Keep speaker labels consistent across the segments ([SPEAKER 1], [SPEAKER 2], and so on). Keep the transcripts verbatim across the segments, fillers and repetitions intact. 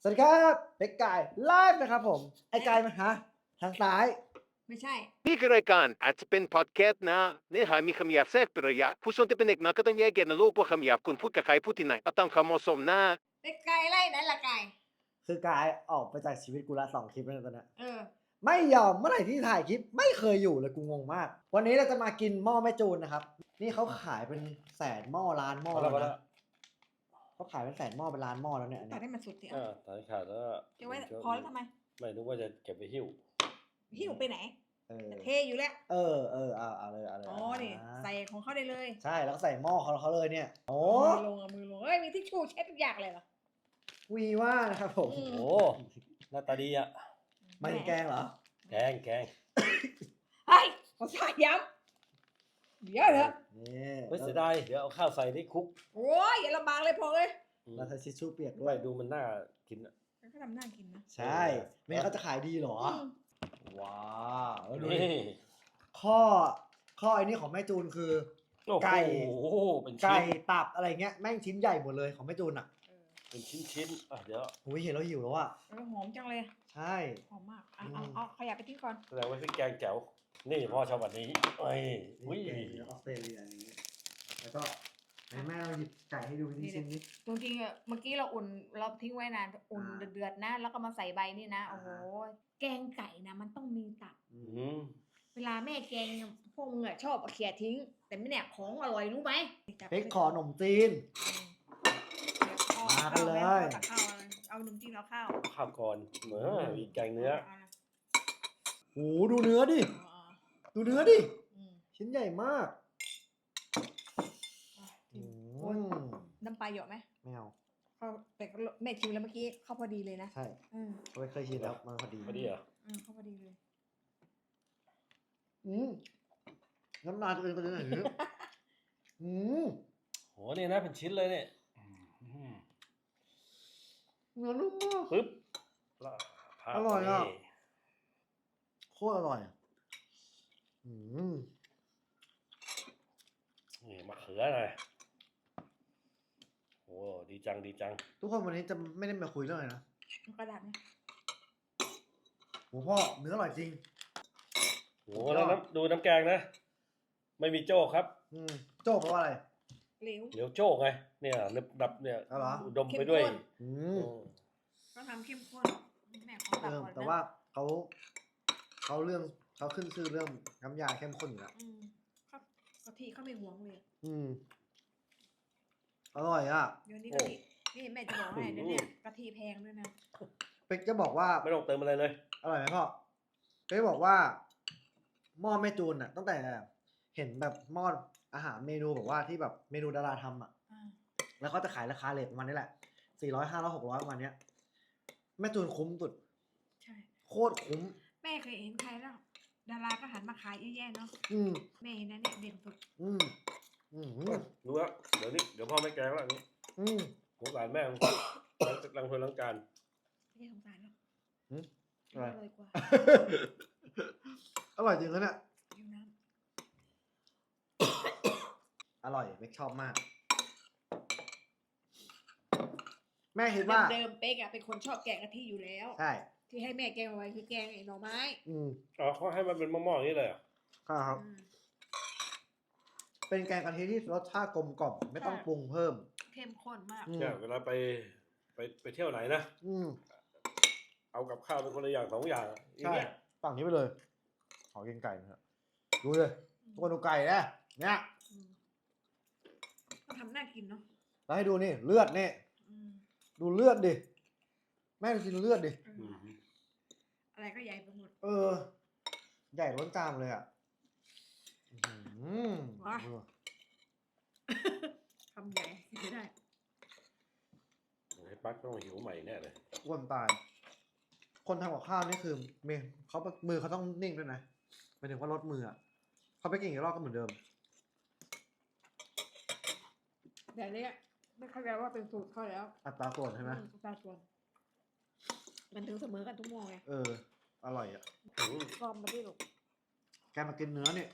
[SPEAKER 1] สวัสดีครับเป็กไก่ไลฟ์นะครับผมไอ้ไก่มันฮะทางซ้าย
[SPEAKER 2] ไม่ใช่
[SPEAKER 3] นี่คือรายการอาจจะเป็นพอดแคสต์นะเนื้อหามีคำหยาบแทรกเป็นระยะผู้ชมที่เป็นเด็กน้อยก็ต้องแยกแยะนะลูกว่าคำหยาบคุณพูดกับใครพูดที่ไหนเอาตามความเหมาะสมนะ
[SPEAKER 2] ไอ้ไก่ไล่นั่นละไก่
[SPEAKER 1] คือกายออกไปจากชีวิตกูละสองคลิปแล้วตอนนี้
[SPEAKER 2] เออ
[SPEAKER 1] ไม่ยอมเมื่อไหร่ที่ถ่ายคลิปไม่เคยอยู่เลยกูงงมาก วันนี้เราจะมากินหม้อแม่จูนนะครับนี่เขาขายเป็นแสนหม้อล้านหม้อ
[SPEAKER 4] พอ
[SPEAKER 1] แล้
[SPEAKER 4] แล้ว วพอแล้
[SPEAKER 1] นะ
[SPEAKER 4] ว
[SPEAKER 1] เขาขายเป็นแสนหม้อเป็นล้านหม้อแล้วเนี่ยอัน
[SPEAKER 2] ตั
[SPEAKER 1] เนี้
[SPEAKER 2] ด
[SPEAKER 1] ย
[SPEAKER 2] ให้มันสุดสิ
[SPEAKER 4] เออตัดขาดแล้วก็
[SPEAKER 2] เก็บไว้พอแล้วทำไม
[SPEAKER 4] ไม่นึกว่าจะเก็บไปหิ้ว
[SPEAKER 2] หิ้วไปไหน
[SPEAKER 1] เออ
[SPEAKER 2] จะเทอยู่แล้ว
[SPEAKER 1] เออเออเอาเอาเลยเอาเลย
[SPEAKER 2] อ๋อนี่
[SPEAKER 1] า
[SPEAKER 2] ใส่ของเขาได้เลย
[SPEAKER 1] ใช่แล้วก็ใส่หม้อเขาเขาเลยเนี่ยโอ้
[SPEAKER 2] มือลงเอามือลงเอ้ยมีทิชชู่เช็ดทุกอย่างเลยเหรอ
[SPEAKER 1] วีว่านะครับผม
[SPEAKER 2] อืม
[SPEAKER 4] โอ้หน้าตาดีอ่ะ
[SPEAKER 1] ไม่แกงเหรอ
[SPEAKER 4] แกงแกง
[SPEAKER 2] เฮ้ยขอสายย้ำเดี๋ยวเถอะ
[SPEAKER 1] นี่
[SPEAKER 4] ไม่เสียดายเดี๋ยวเอาข้าวใส่ได้คุก
[SPEAKER 2] โอ้ยอย่าลำบากเลยพอเลย
[SPEAKER 4] อืม
[SPEAKER 1] แล้วใช้ทิชชู่เปียกด้
[SPEAKER 4] ด้
[SPEAKER 1] ว
[SPEAKER 4] วย ยดูมันน่ากินอ่ะ
[SPEAKER 2] มันก็ทำน่ากินนะ
[SPEAKER 1] ใช่ ไม่งั้นเขาจะขายดีเหรอ
[SPEAKER 2] ม
[SPEAKER 1] ว้าวแล้วดูดิ
[SPEAKER 4] นี่
[SPEAKER 1] ข้อข้อไอ้นี่ของแม่จูนคือ
[SPEAKER 4] โอ้โห
[SPEAKER 1] ไก่
[SPEAKER 4] เป็น
[SPEAKER 1] ไก่
[SPEAKER 4] ชิ้น
[SPEAKER 1] ตับอะไรเงี้ยแม่งชิ้นใหญ่หมดเลยของแม่จูนอ่ะ
[SPEAKER 2] เออ
[SPEAKER 4] เป็นชิ้นชิ้นอ่ะเดี๋ยว
[SPEAKER 1] อุ้ยเห็นแล้วหิวแล้วอ่ะ
[SPEAKER 2] แล้วหอมจังเลย
[SPEAKER 1] ใช่
[SPEAKER 2] หอมมากอ่ะเอาเอาขยับไปที่ก่อน
[SPEAKER 4] แสดงว่าพริกแกงแจ๋วนี่พ่อชอบแบบนี้เอ้ยอุ้ย
[SPEAKER 1] นี่แกงออสเตรเลียอันนี้แล้วก็ไหนแม่เราหยิบไก่ให้ดูที่ชิ้นนี้
[SPEAKER 2] จริงๆอ่ะเมื่อกี้เราอุ่นเราทิ้งไว้นานอุ่น
[SPEAKER 1] อ่า
[SPEAKER 2] เดือดๆนะ แล้วก็มาใส่ใบนี่นะ โอ้โห
[SPEAKER 1] อ่า
[SPEAKER 2] แกงไก่นะมันต้องมีตับ
[SPEAKER 4] อืม
[SPEAKER 2] เวลาแม่แกงเนี่ยพวกมึงอะชอบเอาเขี่ยทิ้ง แต่ไม่เนี่ยของอร่อยรู้ไหม
[SPEAKER 1] เพ็กขอขนมจีน มากันเลย
[SPEAKER 2] เอาข้าวเอาเอาขนมจีนเอาข้าว
[SPEAKER 4] ข้าวก่อนเหมือนมีแกงเนื้อ
[SPEAKER 2] านะ
[SPEAKER 1] โหดูเนื้อดิ
[SPEAKER 2] เอาเอา
[SPEAKER 1] ดูเนื้อดิ
[SPEAKER 2] อืม
[SPEAKER 1] ชิ้นใหญ่มาก
[SPEAKER 2] อ่ะ
[SPEAKER 1] อื
[SPEAKER 2] โอ้ย
[SPEAKER 1] ม
[SPEAKER 2] น้ำปลาเยอะไหม
[SPEAKER 1] ไม่เอา
[SPEAKER 2] เขาแต่ก็แม่ชิมแล้วเมื่อกี้เข้าพอดีเลยนะ
[SPEAKER 1] ใช่
[SPEAKER 2] อืม
[SPEAKER 1] เขาไม่เคยชินแล้วมันพอดี
[SPEAKER 4] พอดีเหรอ
[SPEAKER 2] อืมเข้าพอดีเลย
[SPEAKER 1] อืมน้ำลายตัวเองก็จะไหนเนี่ยอืม
[SPEAKER 4] โหนี่นะเป็นชิ้นเลยเนี่ยอืม
[SPEAKER 1] เนื้อนุ่มมาก
[SPEAKER 4] ปึ๊บแล้วพาด
[SPEAKER 1] อร่อยอ่ะ
[SPEAKER 4] นี่
[SPEAKER 1] โคตรอร่อยอะอืม
[SPEAKER 4] นี่มะเขือหน่อยโอ้ดีจังดีจัง
[SPEAKER 1] ทุกคนวันนี้จะไม่ได้มาคุยเรื่องอะไรนะ
[SPEAKER 2] เอากระดาษเนี่ย
[SPEAKER 1] โหพ่อเนื้ออร่อยจริง
[SPEAKER 4] โหแล้วน้ำดูน้ำแกงนะ ไม่มีโจ้ครับ
[SPEAKER 1] อืมโจ้เพราะว่าอะไร
[SPEAKER 2] เหลว
[SPEAKER 4] เหลียวโจ้ไงเนี่ยนึบดับเนี่ย
[SPEAKER 1] เอาเหรอ
[SPEAKER 4] อุดมไปด้วย
[SPEAKER 2] เข้มข้น
[SPEAKER 1] อื
[SPEAKER 4] อื
[SPEAKER 1] ม
[SPEAKER 4] ม
[SPEAKER 2] ก็ทำเข้มข้นแม่ขอ
[SPEAKER 1] เอ
[SPEAKER 2] ตัด
[SPEAKER 1] อ
[SPEAKER 2] ก่อนนะ
[SPEAKER 1] แต่ว่าเขาเขาเรื่องเขาขึ้นชื่อเรื่องน้ำยาเข้มข้นอยู่แล้ว
[SPEAKER 2] อืมเขากะทิเขาไม่หวงเลย
[SPEAKER 1] อืมอร่อยอ่ะ
[SPEAKER 2] เดี๋ยวนี้กะทินี่แม่จะบอกให้เดี๋ยวนี้กะทิแพงด้วยนะ
[SPEAKER 1] เป็กจะบอกว่า
[SPEAKER 4] ไม่ต้องเติมอะไรเลย
[SPEAKER 1] อร่อยไหมพ่อเป็กบอกว่าหม้อแม่จูนอ่ะ ตั้งแต่เห็นแบบหม้ออาหารเมนูแบบว่าที่แบบเมนูดาราทำอ่ะ
[SPEAKER 2] อ่า
[SPEAKER 1] แล้วเขาจะขายราคาเลทประมาณนี้แหละสี่ร้อยห้าร้อยหกร้อยประมาณเนี้ยแม่จูนคุ้มสุด
[SPEAKER 2] ใช่
[SPEAKER 1] โคตรคุ้ม
[SPEAKER 2] แม่เคยเห็นใครแล้ว ดาราก็หันมาขายเยอะแยะเนาะ
[SPEAKER 1] อืม
[SPEAKER 2] แม่เห็นนั่นเนี่ยเด่นสุด
[SPEAKER 1] อืมอืม
[SPEAKER 4] รู้แล้วเดี๋ยวนี้เดี๋ยวพ่อไม่แกงแล้วอันนี้
[SPEAKER 1] อืม
[SPEAKER 4] สงสารแม่งล้างล้างถ้วยล้างจาน
[SPEAKER 2] ไม่ใช่สงสารหรอก
[SPEAKER 1] หืม
[SPEAKER 2] อ
[SPEAKER 1] อะไร
[SPEAKER 2] ร่อยกว่า
[SPEAKER 1] อร่อยจริงนะเนี่ย
[SPEAKER 2] อยู่น้
[SPEAKER 1] อร่อยเม็กชอบมาก แม่คิด
[SPEAKER 2] ำ
[SPEAKER 1] ว่า
[SPEAKER 2] เดิมๆเป๊กอะเป็นคนชอบแกงกะทิอยู่แล้ว
[SPEAKER 1] ใช่
[SPEAKER 2] ที่ให้แม่แกงเอาไว้คือแกงไอ้หน่อไม้
[SPEAKER 1] อืม
[SPEAKER 4] อ๋อเขาให้มันเป็นหม้อๆอย่างนี้เลยเหรอ
[SPEAKER 1] ครับ
[SPEAKER 2] อืม
[SPEAKER 1] เป็นแกงกะทิที่รสชาติกลมกล่อมไม่ต้อง
[SPEAKER 2] ใช่
[SPEAKER 1] ปรุงเพิ่ม
[SPEAKER 2] เข้มข้นมาก
[SPEAKER 1] อืม
[SPEAKER 4] เนี่ยเวลาไปไปไปเที่ยวไหนนะ
[SPEAKER 1] อืม
[SPEAKER 4] เอากับข้าวเป็นคนละอย่างสองอย่างอะอย่าง
[SPEAKER 1] ใช่
[SPEAKER 4] เงี้ย
[SPEAKER 1] ฝั่งนี้ไปเลย ขอกินไก่หนะครับดูเลยทุกคนดูไก่นะเนี่ย
[SPEAKER 2] อืมก็ทำน่ากินเนาะ
[SPEAKER 1] แล้วให้ดูนี่เลือดนี่
[SPEAKER 2] อืม
[SPEAKER 1] ดูเลือดดิ แม่ดูกินเลือดดิ
[SPEAKER 2] เออ
[SPEAKER 4] อืม
[SPEAKER 2] อะไรก็ใหญ่ไปหมด
[SPEAKER 1] เออ ใหญ่ล้นจามเลยอ่ะอื้อหือ
[SPEAKER 2] ว้า คำใหญ่ไม่ได้
[SPEAKER 4] ไอ้ปักต้องหิวใหม่แน่เลย
[SPEAKER 1] อ้วนตาย คนทำกับข้าวนี่คือมือเขามือเขาต้องนิ่งด้วยนะหมายถึงว่าลดมืออ่ะเขาไปกินอีกรอบก็เหมือนเดิม
[SPEAKER 2] แต่เนี้ยไม่เข้าใจว่าเป็นสูตรเขาแล้ว
[SPEAKER 1] อัตราส่วนใช่ไหม
[SPEAKER 2] อือัตราส่วน มันถึงเสมอกันทุกโมงไง
[SPEAKER 1] เออ อร่อยอ่ะ
[SPEAKER 4] อืม
[SPEAKER 2] กอมมาที่ลูก
[SPEAKER 1] แกมากินเนื้อเนี่ย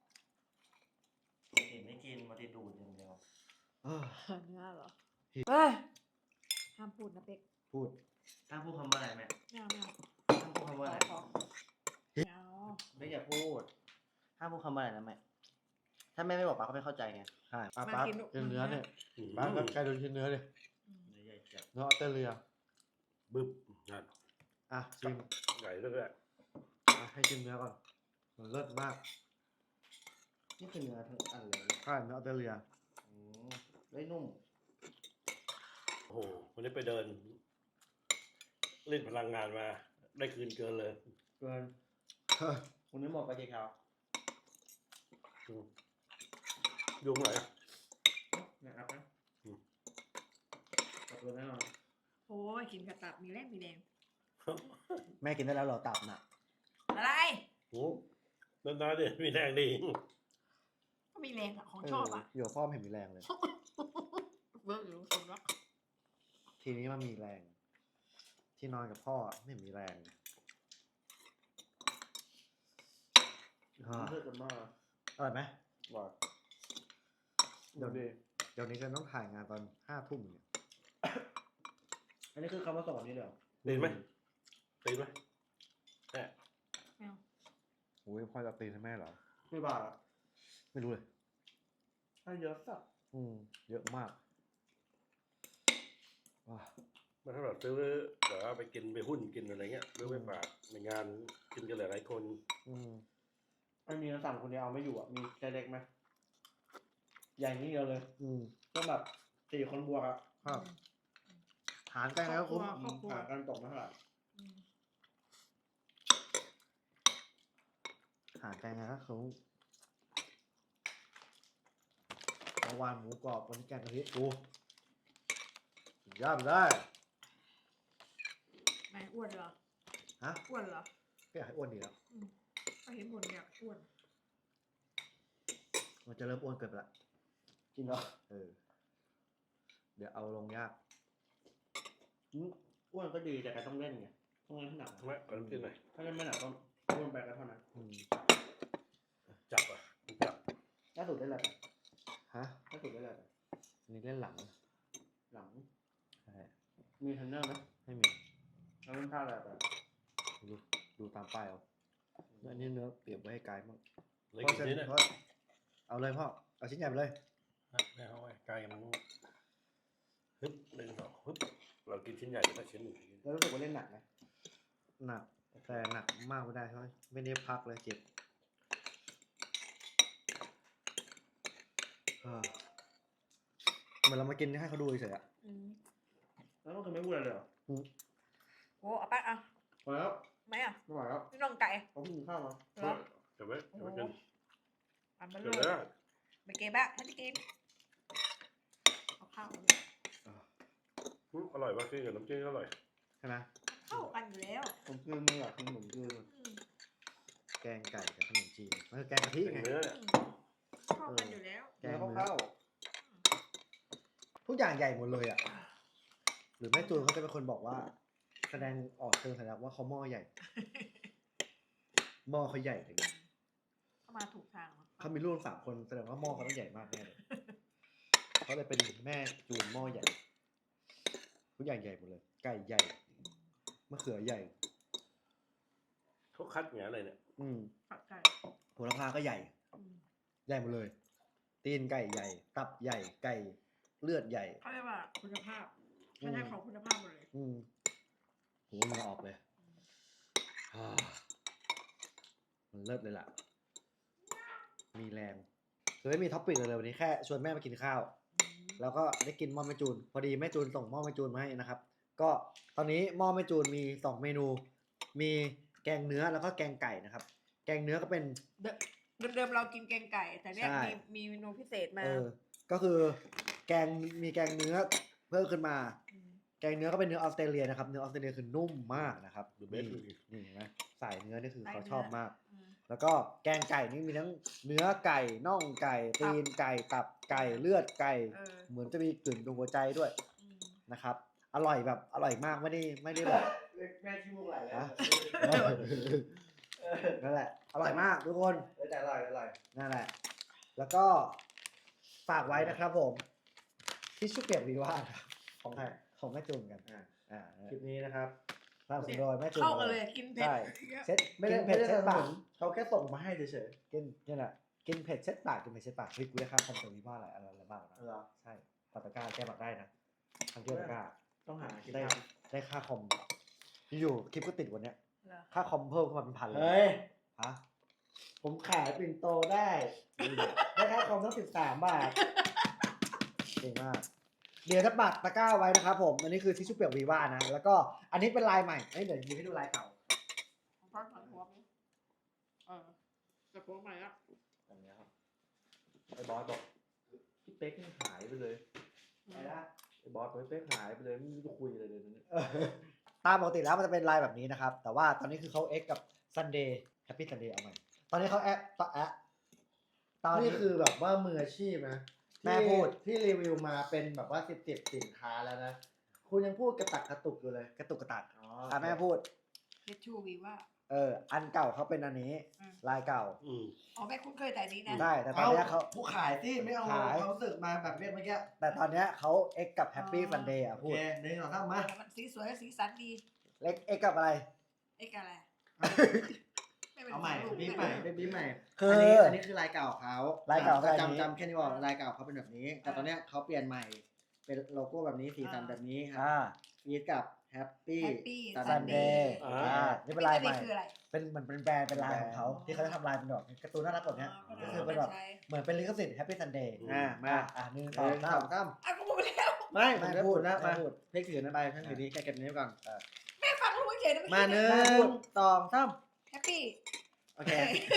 [SPEAKER 5] กินไม่กินมาติดูดอย่างเดียว
[SPEAKER 1] เออ
[SPEAKER 2] เนื้อเหรอเฮ้ยห้ามพูดนะเป็ก
[SPEAKER 1] พูด
[SPEAKER 5] ห้ามพูดคำว่าอะไรแม่
[SPEAKER 2] ไม่เอาไม่เอา
[SPEAKER 5] ห้ามพูดคำ
[SPEAKER 2] ข
[SPEAKER 5] ว่า
[SPEAKER 2] อ
[SPEAKER 5] อะไร
[SPEAKER 2] ขอไม่เอา
[SPEAKER 5] ไม่อย่าพูดห้ามพูดคำว่าอะไรนะแม่ถ้าแม่ไม่บอกป้าก็ไม่เข้าใจไง
[SPEAKER 1] ใช่ป้าป้ากินเนื้อเนี่ยป้าก็ใกล้ดูชิ้นเนื้อเลย
[SPEAKER 2] อืม
[SPEAKER 5] เนื้อใหญ่จัด
[SPEAKER 1] เนื้อออสเตรเลีย
[SPEAKER 4] บึ้บนั่น
[SPEAKER 1] อ่ะชิม
[SPEAKER 4] ใหญ่ด้วยแหละ
[SPEAKER 1] อ่ะให้ชิมเนื้อก่อนมันเลิศมาก
[SPEAKER 5] นี่คือเนื้อทั้งอันเลย
[SPEAKER 1] ใช่เนื้อออสเตรเลีย
[SPEAKER 5] อืมได้นุ่ม
[SPEAKER 4] โอ้โหวันนี้ไปเดิน เล่นพลังงานมา ได้คืนเกินเลย
[SPEAKER 5] เกินคุณนึกบอกกับเจ๊ขาว
[SPEAKER 4] อืมยุงไหน
[SPEAKER 5] นะครับนะ
[SPEAKER 4] อืม
[SPEAKER 5] ขอบคุณแน่นอน
[SPEAKER 2] โอ้ยกินกระตับมีแรงมีแรง
[SPEAKER 1] แม่กินได้แล้วเหรอตับน่ะ
[SPEAKER 2] อะไร
[SPEAKER 4] โอ้นานๆเดี๋ยวมีแรงดี
[SPEAKER 2] ก็มีแรงอะของชอบอะ
[SPEAKER 1] เอยู่กับพ่อไม่เห็นมีแรงเลย
[SPEAKER 2] เบิร์กอยู่คนละ
[SPEAKER 1] ทีนี้มันมีแรง ที่นอนกับพ่อไม่เห็นมีแรงอ่า
[SPEAKER 5] เพื่อนกันมาก
[SPEAKER 1] อร่อยไหม
[SPEAKER 5] ว่า
[SPEAKER 1] เดี๋ยวนี้เดี๋ยวนี้จะต้องถ่ายงานตอนห้าทุ่มเนี่ย
[SPEAKER 5] อันนี้คือคำว่าสอนนี่เหรอ
[SPEAKER 4] ตีนไหมตีนไหมแม่
[SPEAKER 2] ไม่เอา
[SPEAKER 1] โอ้ยพ่อจะตีให้แม่เหรอ
[SPEAKER 5] ไม่บาทอ่ะ
[SPEAKER 1] ไม่รู้เลย
[SPEAKER 5] ถ้าเยอะสัก
[SPEAKER 1] อืมเยอะมากว้า
[SPEAKER 4] มันถ้าแบบซื้อแบบว่าไปกินไปหุ้นกินอะไรเงี้ยหรือไปฝากในงานกินกันหลายๆคน
[SPEAKER 1] อืม
[SPEAKER 5] ไม่มีสั่งคนเดียวเอาไม่อยู่อ่ะ มีใจเล็กไหมใหญ่นี่เดียวเลย
[SPEAKER 1] อืม
[SPEAKER 5] ต้องแบบสี่คนบวกอ่ะ
[SPEAKER 1] ครับ หารกันแล้วคุ้ม
[SPEAKER 2] ครอบครัว
[SPEAKER 5] หากันตกมาเท่าไหร่
[SPEAKER 2] อืม
[SPEAKER 1] หารกันแล้วคุ้มเมื่อวานหมูกรอบวันนี้แกงกะทิกูสุดยอดไปเลย
[SPEAKER 2] ไม่อ้วนเหรอ
[SPEAKER 1] ฮะ
[SPEAKER 2] อ้วนเหรอ
[SPEAKER 1] ก็อยากให้อ้วนดีแล้ว
[SPEAKER 2] อืมก็เห็นบนเนี่ยอ้วน
[SPEAKER 1] มันจะเริ่มอ้วนเกินไปละ
[SPEAKER 5] จริงเหรอ
[SPEAKER 1] เออ เดี๋ยวเอาลงยาก
[SPEAKER 5] อืมอ้วนก็ดีแต่แกต้องเล่นไงต้องเล่นให้หนัก
[SPEAKER 4] ทำไมขอน้ำจิ้มหน่อย
[SPEAKER 5] ถ้าเล่นไม่หนักต้องอ้วนไปก็เท่านั้น
[SPEAKER 1] อืม
[SPEAKER 4] จับอ่ะจับ
[SPEAKER 5] ล่าสุดได้อะไรไป
[SPEAKER 1] ฮะ
[SPEAKER 5] ล่าสุดได้อะไรไป
[SPEAKER 1] อันนี้เล่นหลัง
[SPEAKER 5] หลัง
[SPEAKER 1] ใช่
[SPEAKER 5] มีเทรนเนอร์ไหม
[SPEAKER 1] ไม่มี
[SPEAKER 5] แล้วเล่นท่าอะไรไป
[SPEAKER 1] ดูดูตามป้ายเอาแล้วอันนี้เนื้อเปรียบไว้ให้กายมั่ง
[SPEAKER 4] เลย
[SPEAKER 1] พ่อ
[SPEAKER 4] กิน
[SPEAKER 1] เส้น
[SPEAKER 4] นิดเนี่ย
[SPEAKER 1] พ่อเอาเลยพ่อ เอาชิ้นใหญ่ไปเลย
[SPEAKER 4] ไม่เอาไว้ไกลมันฮึบหนึ่งสองฮึบเรากินชิ้นใหญ่แต่ชิ้นหนึ่ง
[SPEAKER 5] แล้วรู้สึกว่าเล่นหนักไหม
[SPEAKER 1] หนัก แต่หนักมากไม่ได้เพราะไม่ได้พักเลยเจ็บอ่าเหมือนเรามากินให้เขาดูเฉยๆอะ
[SPEAKER 2] อืม
[SPEAKER 5] แล้วก็คือไม่พูดอะไรเลยเหรอ
[SPEAKER 2] โอ้เอาไปอ่ะ
[SPEAKER 5] พอแล้ว
[SPEAKER 2] ไหมอ่ะ
[SPEAKER 5] ไม่ไหวแล้ว
[SPEAKER 2] พี่น้องไก่
[SPEAKER 5] เขาเพิ่งกินข้าวมา
[SPEAKER 2] เหรอ
[SPEAKER 4] เดี๋ยวไว้เดี๋ยวไว้กิน
[SPEAKER 2] อันมัน
[SPEAKER 4] เดี๋ยว
[SPEAKER 2] เล
[SPEAKER 4] แล้
[SPEAKER 2] ยว ไปเก็บอะให้ที่กินเอาข้าวเลย
[SPEAKER 4] อืมอร่อยมากขึ้นกับน้ำจิ้มก็อร่อย
[SPEAKER 1] ใช่ไหม
[SPEAKER 2] เข้ากันอยู่แล้ว
[SPEAKER 5] ผมกินไม่อยากกินขนมจีน
[SPEAKER 2] อืม
[SPEAKER 1] แกงไก่กับขนมจีนมันคือแกงกะทิ
[SPEAKER 4] เป็น
[SPEAKER 1] ไง
[SPEAKER 4] เนื้อเนี่ย
[SPEAKER 2] อืมเข้ากันอยู่แล้ว
[SPEAKER 1] แก
[SPEAKER 5] เนื้
[SPEAKER 1] ง
[SPEAKER 5] อ
[SPEAKER 1] เนื้
[SPEAKER 5] ข้าว
[SPEAKER 1] อทุกอย่างใหญ่หมดเลยอ่ะ หรือแม่จูนเขาจะเป็นคนบอกว่า แสดงออกเชิงสัญลักษณ์ว่าเขาหม้อใหญ่ หม้อเขาใหญ่ถึง
[SPEAKER 2] เข้ามาถูกทางแล้ว
[SPEAKER 1] เขามีลูกสามคนแสดงว่าหม้อเขาต้องใหญ่มากแน่เลยเขาเลยเป็นแม่จูนหม้อใหญ่ทุกอย่างใหญ่หมดเลย ไก่ใหญ่มะเขือใหญ่
[SPEAKER 4] เขาคัดอย่างไรเนี่ย
[SPEAKER 1] อืม
[SPEAKER 2] ผัดไก่
[SPEAKER 1] โหระพาก็ใหญ่
[SPEAKER 2] อืม
[SPEAKER 1] ใหญ่หมดเลย ตีนไก่ใหญ่ ตับใหญ่ ไก่เลือดใหญ่
[SPEAKER 2] เขาเรียกว่าคุณภาพไม่ใช่ของคุณภาพหมดเลย
[SPEAKER 1] อืมโหมันออกเลยอ่ามันเลิศเลยล่ะ มีแรงคือไม่มีท็อปปิกเลยวันนี้แค่ชวนแม่มากินข้าว
[SPEAKER 2] อืม
[SPEAKER 1] แล้วก็ได้กินหม้อแม่จูน พอดีแม่จูนส่งหม้อแม่จูนมาให้นะครับ ก็ตอนนี้หม้อแม่จูนมีสองเมนู มีแกงเนื้อแล้วก็แกงไก่นะครับ แกงเนื้อก็เป็น
[SPEAKER 2] เดิมเดิมๆเรากินแกงไก่ แต่เนี่ย
[SPEAKER 1] ใช่
[SPEAKER 2] มีมีเมนูพิเศษมา
[SPEAKER 1] เออ ก็คือแกงมีแกงเนื้อเพิ่มขึ้นมา
[SPEAKER 2] ม
[SPEAKER 1] แกงเนื้อก็เป็นเนื้อออสเตรเลียนะครับ เนื้อออสเตรเลียคือนุ่มมากนะครับ
[SPEAKER 4] ดูเบ
[SPEAKER 1] นี่
[SPEAKER 4] สดูดิ
[SPEAKER 1] นี่เห็นไหมสายเนื้อนี่คือ
[SPEAKER 2] สาย
[SPEAKER 1] เขา
[SPEAKER 2] เนื้อ
[SPEAKER 1] ชอบมาก
[SPEAKER 2] อืม
[SPEAKER 1] แล้วก็แกงไก่นี่มีทั้งเนื้อไก่น่องไก่
[SPEAKER 2] ตั
[SPEAKER 1] ตี
[SPEAKER 2] บ
[SPEAKER 1] นไก่ตับไก่เลือดไก่
[SPEAKER 2] เออ
[SPEAKER 1] เหมือนจะมีกลิ่นตรงหัวใจด้วย
[SPEAKER 2] อืม
[SPEAKER 1] นะครับ อร่อยแบบอร่อยมากไม่ได้ไม่ได้แบบ
[SPEAKER 5] แม่ขี้มูกไหลแล้ว
[SPEAKER 1] ฮะ นั่นแหละ อร่อยมากทุกคน
[SPEAKER 5] เออแต่อร่อยอร่อย
[SPEAKER 1] นั่นแหละ แล้วก็ฝากไว้นะครับผมที่ชุบเปียกวีว่าครับของใครของแม่จูนกัน
[SPEAKER 5] อ่า
[SPEAKER 1] อ่า
[SPEAKER 5] คลิปนี้นะครับ
[SPEAKER 1] สนับสนุนโดยแม่จูน
[SPEAKER 2] เข้ากันเลยกินเผ็ด
[SPEAKER 1] ใช่เซ็ต
[SPEAKER 5] ไม่
[SPEAKER 1] กิ
[SPEAKER 5] ได้
[SPEAKER 1] น
[SPEAKER 5] ไม่
[SPEAKER 1] เผ็ด
[SPEAKER 5] ได้
[SPEAKER 1] เซ็ต
[SPEAKER 5] สนับ
[SPEAKER 1] ปา
[SPEAKER 5] ส
[SPEAKER 1] ก
[SPEAKER 5] นุนเขาแค่ส่งมาให้เฉย
[SPEAKER 1] กินนี่แหละกินเผ็ดเซ็ตปากกินเผ็ดเซ็ตปากเฮ้ยกูได้ค่าคอมเตอร์วีว่าอะไรอะไรอะไรบ้างนะ
[SPEAKER 5] ๆเหรอ
[SPEAKER 1] ใช่ปาตะกร้าแก้บักได้นะทางเที่ยวตะกร้า
[SPEAKER 5] ต้องหาคลิป
[SPEAKER 1] ได้
[SPEAKER 5] ท
[SPEAKER 1] ได้ค่าคอมอยู่ๆคลิปก็ติดวันเนี้ย
[SPEAKER 2] เหรอ
[SPEAKER 1] ค่าคอมเพิ่มขึ้นมาเป็นพัน
[SPEAKER 5] ำ
[SPEAKER 1] เลย
[SPEAKER 5] เฮ้ย
[SPEAKER 1] ฮะ
[SPEAKER 5] ผมขายปิ่นโตได้ ได้ค่าคอมทั้งสิบสามบาท
[SPEAKER 1] เก่งมาก เดี๋ยวจะปักตะกร้าไว้นะครับผม อันนี้คือทิชชู่เปียกวีว่านะ แล้วก็อันนี้เป็นลายใหม่เอ้ยเดี๋ยวยิงให้ดูลายเก่า
[SPEAKER 2] ของพักของหัวไหมเออจะหัวใหม่ละ
[SPEAKER 5] อันเนี้ยครับไอ้บอสบอกพี่เป๊กนี่หายไปเลย
[SPEAKER 1] ไหนนะ
[SPEAKER 5] ไอ้บอสบอกพี่เป๊กหายไปเลยไม่รู้จะคุยอะไรเลยเนี่ย
[SPEAKER 1] เออตามปกติแล้วมันจะเป็นลายแบบนี้นะครับ แต่ว่าตอนนี้คือเขาเอ็กกับ Sunday Happy Sunday เอาใหม่ ตอนนี้เขาแอปต่อแอปตอนนี้
[SPEAKER 5] นี่คือแบบว่ามืออาชีพนะ
[SPEAKER 1] แม่พูด
[SPEAKER 5] ที่รีวิวมาเป็นแบบว่าสิบสิบสินค้าแล้วนะ คุณยังพูดกระตักกระตุกอยู่เลย
[SPEAKER 1] กระตุกกระตัก
[SPEAKER 5] อ๋อ
[SPEAKER 1] อ่ะแม่พูด
[SPEAKER 2] เฮ็ดชูวีว่า
[SPEAKER 1] เออ อันเก่าเขาเป็นอันนี้
[SPEAKER 2] อืม
[SPEAKER 1] ลายเก่า
[SPEAKER 4] อืม
[SPEAKER 2] อ๋อแม่คุ้นเคยแต่นี้นะ
[SPEAKER 1] ได้ แต่ตอนเนี้ยเขา
[SPEAKER 5] ผู้ขายที่ไม่เอา
[SPEAKER 1] ขาย
[SPEAKER 5] เขามรู้สึกมาแบบเรียกเมื่อกี้
[SPEAKER 1] แต่ตอนเนี้ยเขาเอ็กกับ Happy Sunday อ่ะ
[SPEAKER 5] โอ
[SPEAKER 1] พูด
[SPEAKER 5] เคหนึ่งสองสามมา
[SPEAKER 2] มันสีสวยสีสันดี
[SPEAKER 1] เอ็กเอ็กกับอะไร
[SPEAKER 2] ไอ้กันอะไรไม่เป็น
[SPEAKER 5] เอาใหม่
[SPEAKER 2] ลูก
[SPEAKER 5] บีบใหม่ได้บีบใหม่
[SPEAKER 1] คือ
[SPEAKER 5] อันนี้อันนี้คือลายเก่าเขา
[SPEAKER 1] ลายเก่า
[SPEAKER 5] อ่ะ
[SPEAKER 1] คืออันนี้
[SPEAKER 5] จำจำแค่นี้บอกลายเก่าเขาเป็นแบบนี้ แต่ตอนเนี้ยเขาเปลี่ยนใหม่ เป็นโลโก้แบบนี้สีสันแบบนี้ครั
[SPEAKER 1] อ่า
[SPEAKER 5] ฟีดกับแฮปปี้
[SPEAKER 2] แฮปปี้
[SPEAKER 1] ซั
[SPEAKER 2] ซั
[SPEAKER 1] น
[SPEAKER 2] น
[SPEAKER 1] เด
[SPEAKER 2] เด
[SPEAKER 1] ย์
[SPEAKER 2] ย์
[SPEAKER 4] อ่า
[SPEAKER 1] อ่านี่เป็น
[SPEAKER 2] ลา
[SPEAKER 1] ลาย ย
[SPEAKER 2] ให
[SPEAKER 1] ให
[SPEAKER 2] ม่
[SPEAKER 1] ม่
[SPEAKER 2] คืออะไร
[SPEAKER 1] เป็นเหมือนเป็นแบรนด์เป็นลายของเขาที่เขาจะทำลายเป็นแบบการ์ตูนน่ารักแบบเนี้ย
[SPEAKER 2] อ๋อ
[SPEAKER 1] ก็คือเป็นแบบ
[SPEAKER 2] ใช้
[SPEAKER 1] เหมือนเป็นลิขสิทธิ์ Happy Sunday
[SPEAKER 5] อ่ามา
[SPEAKER 1] อ่ะหนึ่ง
[SPEAKER 5] ห
[SPEAKER 1] สอง
[SPEAKER 5] นึ่ง
[SPEAKER 1] สา
[SPEAKER 5] ส
[SPEAKER 1] ม
[SPEAKER 5] องสาม
[SPEAKER 2] อ่ะกูพูดแล้ว
[SPEAKER 5] ไม่ผม
[SPEAKER 1] ไม่
[SPEAKER 5] จะ
[SPEAKER 1] พู
[SPEAKER 5] พู
[SPEAKER 1] ด
[SPEAKER 5] ดนะ
[SPEAKER 1] ไม่
[SPEAKER 5] มา
[SPEAKER 1] พูด
[SPEAKER 5] เพกถือนะใบท่านถือนี้แกเก็บนี้ไว้ก่อน
[SPEAKER 2] แม่ฟังรู้เฉยๆนะ
[SPEAKER 5] มาหนึ่
[SPEAKER 1] แม่
[SPEAKER 5] ง
[SPEAKER 1] พูด
[SPEAKER 5] สองสาม
[SPEAKER 2] แฮปปี้
[SPEAKER 5] โอเค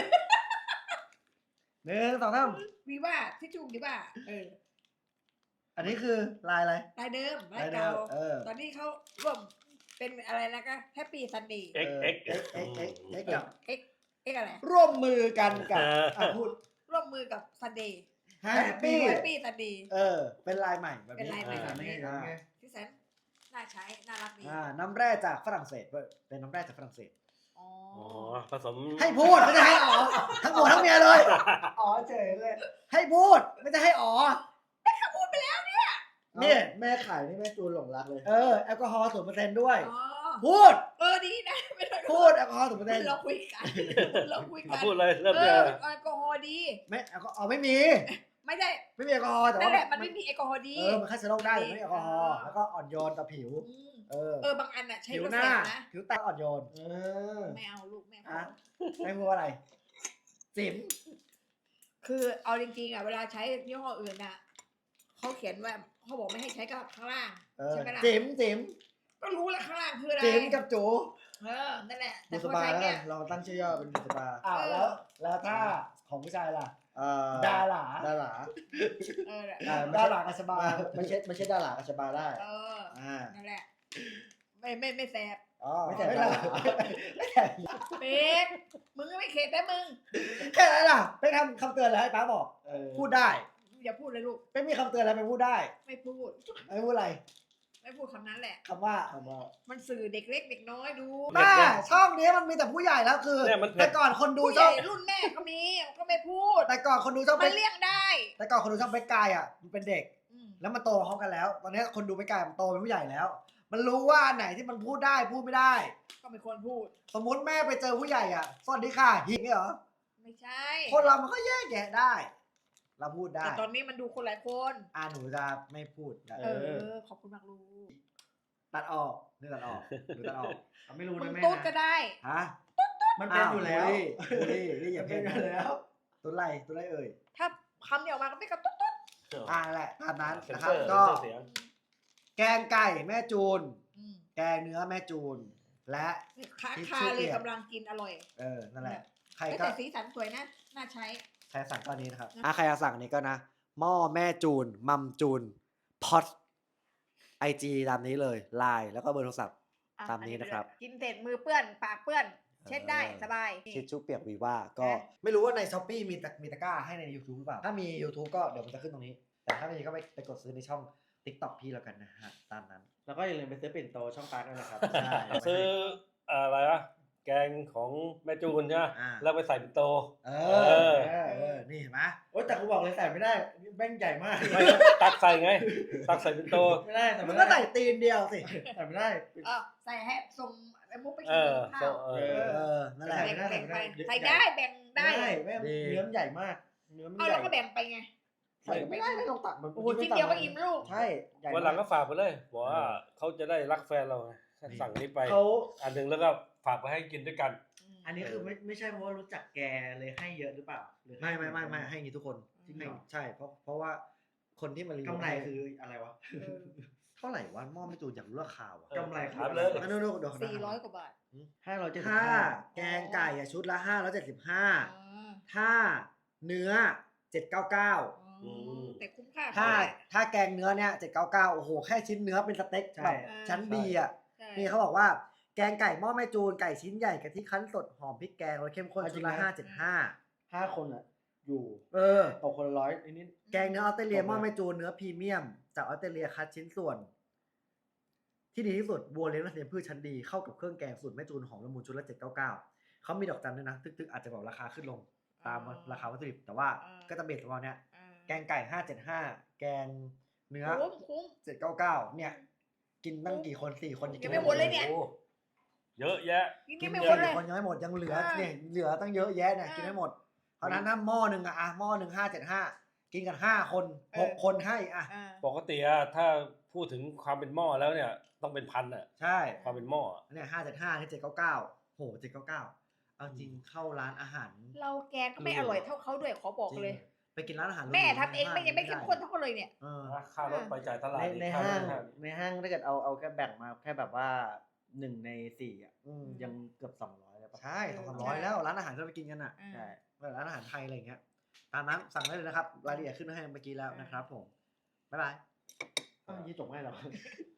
[SPEAKER 5] หนึ่งสองสาม
[SPEAKER 2] วีว่าที่จูงดีว่าเออ
[SPEAKER 1] อันนี้คือลายอะไร
[SPEAKER 2] ลายเดิมลา
[SPEAKER 1] ลาย ยเดิ
[SPEAKER 2] เก่าม
[SPEAKER 1] เออ
[SPEAKER 2] ตอนนี้เขาร่วมเป็นอะไรนะก็แฮปปี้ซันเดย์
[SPEAKER 4] เอ็ก
[SPEAKER 1] เออ
[SPEAKER 4] เอ็ก
[SPEAKER 1] เอ็กเอ็กเอ็กเอ็กกับ
[SPEAKER 2] เอ็กเอ็กอะไร
[SPEAKER 1] ร่วมมือกันกับ
[SPEAKER 4] เออ
[SPEAKER 1] อ่ะพูด
[SPEAKER 2] ร่วมมือกับซันเดย์
[SPEAKER 5] แฮป
[SPEAKER 1] Happy
[SPEAKER 5] ปี้
[SPEAKER 2] แฮปปี้ซันเดย์
[SPEAKER 1] เออ เป็นลายใหม่แบบ
[SPEAKER 2] เป็น
[SPEAKER 1] นี้
[SPEAKER 2] ลายใหม่
[SPEAKER 4] อ่า
[SPEAKER 2] แบบนี้
[SPEAKER 5] อ่า
[SPEAKER 2] ที่แสนน่าใช้น่ารักดี
[SPEAKER 1] อ่าน้ำแร่จากฝรั่งเศสเว้ยเป็นน้ำแร่จากฝรั่งเศส
[SPEAKER 2] อ๋อ
[SPEAKER 4] อ๋อผสม
[SPEAKER 1] ให้พูดไม่ได้ให้อ๋อทั้งหมดทั้งเมียเลย อ๋อเฉยเลย ให้พูดไม่ได้ให้อ๋อ
[SPEAKER 2] พูดไปแล้วเนี่ย
[SPEAKER 1] เนี่ย
[SPEAKER 5] แม่ขายนี่แม่จูนหลงรักเลย
[SPEAKER 1] เออแอลกอฮอล์ศูนย์เปอร์เซ็นต์ด้วย
[SPEAKER 2] อ๋อ
[SPEAKER 1] พูด
[SPEAKER 2] เออดีนะไม่ต้อง
[SPEAKER 1] พูดแอลกอฮอล์ศูนย์เปอร์เซ็นต์
[SPEAKER 2] เราคุยกันเราคุยกั
[SPEAKER 4] เอา
[SPEAKER 2] น
[SPEAKER 4] พูดเลยเริ่ม
[SPEAKER 2] เอ
[SPEAKER 4] เล
[SPEAKER 2] อย แอลกอฮอล์ดี
[SPEAKER 1] ไม่แอลกอฮอล์ไม่มี
[SPEAKER 2] ไม่ได้
[SPEAKER 1] ไม่มีแอลกอฮอล์แต่
[SPEAKER 2] นั่
[SPEAKER 1] ว่าน
[SPEAKER 2] แหละมันไม่มีแอลกอฮอล์ดี
[SPEAKER 1] เออมันฆ่าเชื้อโรคได้แต่ไม่มีแอลกอฮอล์
[SPEAKER 2] อ่า
[SPEAKER 1] แล้วก็อ่อนโยนต่อผิว
[SPEAKER 2] ม
[SPEAKER 1] เออ
[SPEAKER 2] เออบางอันอ่ะใช้
[SPEAKER 1] ผิว
[SPEAKER 2] กระ
[SPEAKER 1] ห
[SPEAKER 2] แส
[SPEAKER 1] น้า
[SPEAKER 2] นะ
[SPEAKER 1] ผิวตาอ่อนโยน
[SPEAKER 5] เออ
[SPEAKER 2] ไม่เอาลูกไม่
[SPEAKER 1] อ่ะ
[SPEAKER 2] เอา
[SPEAKER 1] ไม่พูดอะไรจิ๋ม
[SPEAKER 2] คือเอาจริงๆอ่ะเวลาใช้ยี่ห้ออื่นอ่ะเขาเขียนว่าเขาบอกไม่ให้ใช้กับข้างล่าง
[SPEAKER 1] เออ
[SPEAKER 2] ใช่ไหมล่ะ
[SPEAKER 1] จิ๋มจิ๋ม
[SPEAKER 2] ก็รู้แล้วข้างล่างคืออะไร
[SPEAKER 1] จิ๋มกับจู
[SPEAKER 2] เออนั่นแหละ
[SPEAKER 5] บุ
[SPEAKER 2] แต่
[SPEAKER 5] ษ
[SPEAKER 2] พอ
[SPEAKER 5] บา
[SPEAKER 2] ใช้
[SPEAKER 5] แล้ว
[SPEAKER 2] เนี่
[SPEAKER 5] กั
[SPEAKER 2] ย
[SPEAKER 5] นเราตั้งชื่อย่อเป็นบุษบา
[SPEAKER 1] อ้าว
[SPEAKER 2] เออ
[SPEAKER 1] แล้วแล้วถ้าของผู้ชายล่ะ
[SPEAKER 5] เอ่อ
[SPEAKER 1] ดารา
[SPEAKER 5] ดารา
[SPEAKER 2] เออ
[SPEAKER 5] อ่า
[SPEAKER 1] ดารากับสบา
[SPEAKER 5] ไม่ใช่ไม่ใช่ดารากับชบาได้
[SPEAKER 2] เออ
[SPEAKER 5] อ่า
[SPEAKER 2] นั่นแหละ ไม่ไม่ไม่แสบ
[SPEAKER 1] อ๋อ
[SPEAKER 5] ไม่ใช่
[SPEAKER 1] ไม่
[SPEAKER 5] ดา
[SPEAKER 1] ได้
[SPEAKER 5] รา
[SPEAKER 1] ไม่ได้
[SPEAKER 2] เป็กมึงก็ไม่เข็ดแต่มึง
[SPEAKER 1] แค่นั้นล่ะไปทำคำเตือนแล้วให้ป้าบอก
[SPEAKER 5] เออ
[SPEAKER 1] พูดได้
[SPEAKER 2] อย่าพูดเลยลูก
[SPEAKER 1] ไม่มีคำเตือนอะไรไปพูดได้
[SPEAKER 2] ไม่พูด
[SPEAKER 1] ไม่พูดอะไร
[SPEAKER 2] ไม่พูดคำนั้นแหละ
[SPEAKER 1] คำว่า
[SPEAKER 5] คำว่า
[SPEAKER 2] มันสื่อเด็กเล็กเด็กน้อยดู
[SPEAKER 1] แม่ช่องนี้มันมีแต่ผู้ใหญ่แล้วคือ
[SPEAKER 4] เนี่ยมันเผ็ด
[SPEAKER 1] แต่ก่อนคนดู
[SPEAKER 2] ผู้ให
[SPEAKER 1] ช่อ
[SPEAKER 2] ญ่
[SPEAKER 1] ง
[SPEAKER 2] รุ่นแม่ก็มีก็ไม่พูด
[SPEAKER 1] แต่ก่อนคนดูช่อง
[SPEAKER 2] มั
[SPEAKER 1] เป็น
[SPEAKER 2] เลี่ยงได้
[SPEAKER 1] แต่ก่อนคนดูช่องเบกกายอ่ะมันเป็นเด็ก
[SPEAKER 2] อืม
[SPEAKER 1] แล้วมันโตพร้อมกันแล้ว ตอนนี้คนดูเบกกายมันโตเป็นผู้ใหญ่แล้ว มันรู้ว่าอันไหนที่มันพูดได้พูดไม่ได้
[SPEAKER 2] ก็ไม่ควรพูด
[SPEAKER 1] สมมุติแม่ไปเจอผู้ใหญ่อ่ะสวัสดีค่ะหิงเหรอ
[SPEAKER 2] ไม่ใช่
[SPEAKER 1] คนเรามันก็แยกแยะได้ เราพูดได้
[SPEAKER 2] แต่ตอนนี้มันดูคนหลายคน
[SPEAKER 1] อ่าหนูจะไม่พูดนะ
[SPEAKER 2] เออ ขอบคุณมากลูก
[SPEAKER 1] ตัดออกนี่ตัดออกหรือตัดออก
[SPEAKER 5] เอาไม่รู้
[SPEAKER 2] มึ
[SPEAKER 5] นะ
[SPEAKER 2] ง
[SPEAKER 5] แม่
[SPEAKER 2] ตุ๊ดก็
[SPEAKER 5] นะ
[SPEAKER 2] ได้
[SPEAKER 1] ฮะ
[SPEAKER 5] มันเป็นอยู่แล้ว
[SPEAKER 1] บูลลี่บูลลี่นี่อย่า
[SPEAKER 5] เป็
[SPEAKER 1] เพ่
[SPEAKER 5] น
[SPEAKER 1] ง
[SPEAKER 5] อยู่แล้ว
[SPEAKER 1] ตัวไรตัวไรเอ่ย
[SPEAKER 2] ถ้าคำเดียวมาก็ไม่กับตุ๊ดตุ๊ด
[SPEAKER 1] อ่านั่นแหละตามนั้น
[SPEAKER 4] เซ็น
[SPEAKER 1] นะค
[SPEAKER 4] เซ
[SPEAKER 1] รับ
[SPEAKER 4] อร์
[SPEAKER 1] ก็
[SPEAKER 4] เซ็นเซอร์เสียง
[SPEAKER 1] แกงไก่แม่จูน
[SPEAKER 2] อืม
[SPEAKER 1] แกงเนื้อแม่จูน และ
[SPEAKER 2] คา
[SPEAKER 1] ทิช
[SPEAKER 2] คา
[SPEAKER 1] ชู่
[SPEAKER 2] เล
[SPEAKER 1] เปี
[SPEAKER 2] ย
[SPEAKER 1] ยก
[SPEAKER 2] กำลังกินอร่อย
[SPEAKER 1] เออนั่นแหละ ใคร
[SPEAKER 2] เฮ้ย
[SPEAKER 1] ก็
[SPEAKER 2] แต่สีสันสวยนะ น่าใช้
[SPEAKER 1] ใครสั่งตอนนี้นะครับอ่ะใครจะสั่งอันนี้ก็นะหม้อแม่จูน มัมจูนพอดไอจีตามนี้เลยไลน์แล้วก็เบอร์โทรศัพท์
[SPEAKER 2] อ่ะ
[SPEAKER 1] ตามนี้นะครับ
[SPEAKER 2] กินเสร็จมือเปื้อน ปากเปื้อน เช็ดได้
[SPEAKER 1] เออ
[SPEAKER 2] สบาย
[SPEAKER 1] ทิชชู่เปียกวีว่าก็
[SPEAKER 2] นะ
[SPEAKER 1] ไม่รู้ว่าในช้อปปี้มีตะมีตะกร้าให้ใน YouTube หรือเปล่า ถ้ามี YouTube ก็เดี๋ยวมันจะขึ้นตรงนี้ แต่ถ้าไม่มีก็ไปไปกดซื้อในช่อง TikTok พี่แล้วกันนะฮะ ตามนั้น
[SPEAKER 5] แล้วก็อย่าลืมไปซื้อปิ่นโตช่องปาร์กด้วยนะครับ
[SPEAKER 1] ใช่
[SPEAKER 4] ซื้ออะไรวะแกงของแม่จูนใช่ไหม
[SPEAKER 1] อ่า
[SPEAKER 4] แล้วไปใส่เป็นโต
[SPEAKER 1] เอ
[SPEAKER 4] เอ
[SPEAKER 1] อ
[SPEAKER 4] อ
[SPEAKER 1] เออเออนี่เห็นไหม
[SPEAKER 5] โอ๊ยแต่กูบอกเลยใส่ไม่ได้แม่งใหญ่มาก
[SPEAKER 4] ไม่ตักใส่ไง ตักใส่เป็นโต
[SPEAKER 5] ไม่ได้ใส่
[SPEAKER 1] มึ
[SPEAKER 5] ไม่
[SPEAKER 1] ง
[SPEAKER 5] ได้
[SPEAKER 1] ก็ใส่ตีนเดียวสิ
[SPEAKER 5] ใส่ไม่ได้
[SPEAKER 2] เออใส่ให้ส่งไอ้มุกไป
[SPEAKER 4] เอ
[SPEAKER 2] กิน
[SPEAKER 4] อ
[SPEAKER 2] ข้าว
[SPEAKER 4] เอ
[SPEAKER 5] เอ
[SPEAKER 4] อ
[SPEAKER 1] เออนั่นแหละ
[SPEAKER 2] แบ่ง
[SPEAKER 5] ใส่
[SPEAKER 2] แบ่ง
[SPEAKER 5] ไม่
[SPEAKER 2] ไป
[SPEAKER 5] ได้
[SPEAKER 2] ใส่ได้แบ่งได้
[SPEAKER 5] ได้แม่ง
[SPEAKER 1] ดี
[SPEAKER 5] เนื้อมันใหญ่มากเนื้อมัน
[SPEAKER 2] เอา
[SPEAKER 5] ใหญ่
[SPEAKER 2] แล้วก็แบ่งไปไง
[SPEAKER 5] ใส่ไม่ได้ไม่ต้องตักแบบ
[SPEAKER 2] โอ้โหชิ้นเดียวก็อิ่มลูก
[SPEAKER 5] ใช่ใหญ่
[SPEAKER 4] วันหลัง
[SPEAKER 5] มา
[SPEAKER 4] ก็ฝากไปเลยบอกว่าเขาจะได้รักแฟนเราไงสั่งนี้ไป
[SPEAKER 5] เขา
[SPEAKER 4] อันหนึ่งแล้วก็ฝากไปให้กินด้วยกัน
[SPEAKER 5] อันนี้คือไม่ไม่ใช่เพราะว่ารู้จักแกเลยให้เยอะหรือเปล่าหรือ
[SPEAKER 1] ไม่ไม่ไม่ไม่ให้อย่างงี้ทุกคน
[SPEAKER 5] จริงเหรอ
[SPEAKER 1] ใช่เพราะเพราะว่าคนที่มารีวิว
[SPEAKER 5] กำไรคืออะไรวะ
[SPEAKER 2] เออ
[SPEAKER 1] เท่าไหร่วะหม้อไม่จูนอยากรู้ราคาว่ะ
[SPEAKER 4] เออ
[SPEAKER 5] กำไรคือ
[SPEAKER 4] ถาม
[SPEAKER 5] อะไร
[SPEAKER 4] เลย
[SPEAKER 1] อันนู้นเดี๋ยว
[SPEAKER 2] สี่ร้อยกว่าบาท
[SPEAKER 5] ห้าร้อยเจ็ดสิบ
[SPEAKER 1] ถ้า
[SPEAKER 5] ห้า
[SPEAKER 1] แกงไก่อะชุดละห้าร้อยเจ็ดสิบห้า
[SPEAKER 2] อ่า
[SPEAKER 1] ถ้าเนื้อเจ็ดเก้าเก้า
[SPEAKER 2] อืมแต่คุ้มค่า
[SPEAKER 1] ถ้า
[SPEAKER 2] เท่ไหร่
[SPEAKER 1] ถ้าแกงเนื้อเนี่ยเจ็ดเก้าเก้าโอ้โหแค่ชิ้นเนื้อเป็นสเต็กแบบชั้นดีอ่ะ
[SPEAKER 2] ใช่
[SPEAKER 1] นี่เขาบอกว่าแกงไก่หม้อแม่จูนไก่ชิ้นใหญ่กะทิคั้นสดหอมพริกแกงรสเข้มข้นชุดละห้าเจ็ดห้า
[SPEAKER 5] ห้าคนอ่ะ อยู่
[SPEAKER 1] เออ
[SPEAKER 5] ตกคนละร้อยนิด
[SPEAKER 1] แกงเนื้อออสเตรเลีย
[SPEAKER 5] ตก
[SPEAKER 1] ห
[SPEAKER 5] เลย
[SPEAKER 1] ม้อแม่จูนเนื้อพรีเมียมจากออสเตรเลียคัดชิ้นส่วน ที่ดีที่สุดบัวเลี้ยงและเทียมพืชชั้นดีเข้ากับเครื่องแกงสูตรแม่จูนหอมละมุนชุดละเจ็ดเก้าเก้าเขามีดอกจันด้วยนะทึกๆอาจจะแบบราคาขึ้นลงตามราคาวัตถุดิบแต่ว่าก็จะเบสประมาณเนี้ย
[SPEAKER 2] อ่า
[SPEAKER 1] แกงไก่ห้าเจ็ดห้าแกงเนื้อ
[SPEAKER 2] คุ้มคุ้ม
[SPEAKER 1] เจ็ดเก้าเก้าเนี่ย กินตั้งกี่คนสี่คน
[SPEAKER 2] ยังไม่หมดเลยเนี่ย
[SPEAKER 4] โอ้เยอะแยะ
[SPEAKER 2] กิน
[SPEAKER 1] กิ
[SPEAKER 2] นี่
[SPEAKER 1] น
[SPEAKER 2] ไม่
[SPEAKER 1] ไม่
[SPEAKER 2] ห
[SPEAKER 1] ห
[SPEAKER 2] ม
[SPEAKER 1] ม
[SPEAKER 2] ด
[SPEAKER 1] ด
[SPEAKER 2] เลย
[SPEAKER 1] คนยังไม่หมดยังเหลือ
[SPEAKER 2] อ่า
[SPEAKER 1] เนี่ยเหลือตั้งเยอะแยะเนี่ย
[SPEAKER 2] อ่ากิ
[SPEAKER 1] กินไม่หมดเพราะฉะนั้นถ้าหม้อหนึ่งอะอ่ะหม้อหนึ่งห้าเจ็ดห้ากินกันห้าคนหกคนให้อ่ะ
[SPEAKER 2] อ่า
[SPEAKER 4] ปกติอะถ้าพูดถึงความเป็นหม้อแล้วเนี่ย ต้องเป็นพันอะ
[SPEAKER 1] ใช่
[SPEAKER 4] ความเป็นหม้ออะ
[SPEAKER 1] เนี่ยห้าเจ็ดห้าที่เจ็ดเก้าเก้าโหเจ็ดเก้าเก้าเอาจริงเข้าร้านอาหาร
[SPEAKER 2] เราแกงก็ไม่อร่อยเท่าเขาด้วยขอบอกเลย
[SPEAKER 1] จริงไปกินร้านอาหาร
[SPEAKER 2] แม่ทำเองไม่ยังไม่เข้มข้นเท่าเขาเลยเนี่ย
[SPEAKER 1] เออ
[SPEAKER 4] ค่ารถไปจ่ายตลาด
[SPEAKER 5] ใน
[SPEAKER 4] อีก
[SPEAKER 5] ใน
[SPEAKER 4] ค่
[SPEAKER 5] ห้าง
[SPEAKER 4] รถ
[SPEAKER 5] ในห้างถ้าเกิดเอาเอาแค่แบ่งมาแค่แบบว่าหนึ่งในสี่อ่ะ
[SPEAKER 1] อืม
[SPEAKER 5] ยังเกือบสองร้อยแล้วปะ
[SPEAKER 1] ใช่สองสาม
[SPEAKER 2] ใช่
[SPEAKER 1] ร้อยแล้วร้านอาหารที่เราไปกินกันอ่ะ
[SPEAKER 2] อ่า
[SPEAKER 5] ใช่
[SPEAKER 1] ร้านอาหารไทยอะไรอย่างเงี้ยตามนั้นสั่งได้เลยนะครับรายละเอียดขึ้นให้เมื่อกี้แล้วนะครับผมบ๊ายบาย
[SPEAKER 5] อ้าวยี่จบไม่หรอ